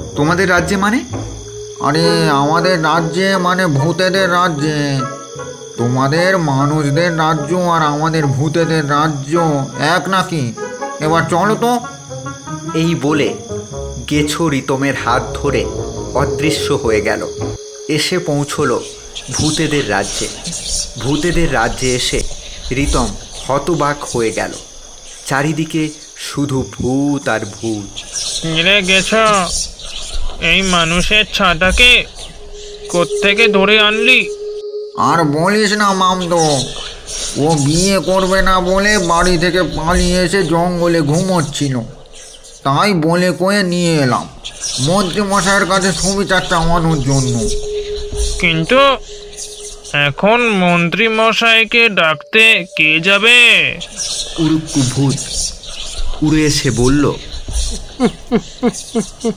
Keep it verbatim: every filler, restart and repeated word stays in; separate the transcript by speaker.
Speaker 1: তোমাদের রাজ্যে মানে?
Speaker 2: আরে আমাদের রাজ্যে মানে ভূতেদের রাজ্যে। তোমাদের মানুষদের রাজ্য আর আমাদের ভূতেদের রাজ্য এক নাকি? এবার চলো তো।
Speaker 1: এই বলে গেছো রিতমের হাত ধরে অদৃশ্য হয়ে গেল। এসে পৌঁছলো ভূতেদের রাজ্যে। ভূতেদের রাজ্যে এসে রিতম হতবাক হয়ে গেল। চারিদিকে শুধু ভূত আর ভূত।
Speaker 3: মিলে গেছ, এই মানুষের ছাতাকে কোত্থেকে ধরে আনলি?
Speaker 2: আর বলিস না মামদো, ও বিয়ে করবে না বলে বাড়ি থেকে পালিয়ে এসে জঙ্গলে ঘুমোচ্ছিল। তাই বলে কয়ে নিয়ে এলাম মন্ত্রী মশাইয়ের কাছে সুবিচার চাওয়ানোর জন্য।
Speaker 3: কিন্তু এখন মন্ত্রী মশাইকে ডাকতে কে যাবে?
Speaker 1: উড়ুক্কু ভূত উড়ে এসে বলল,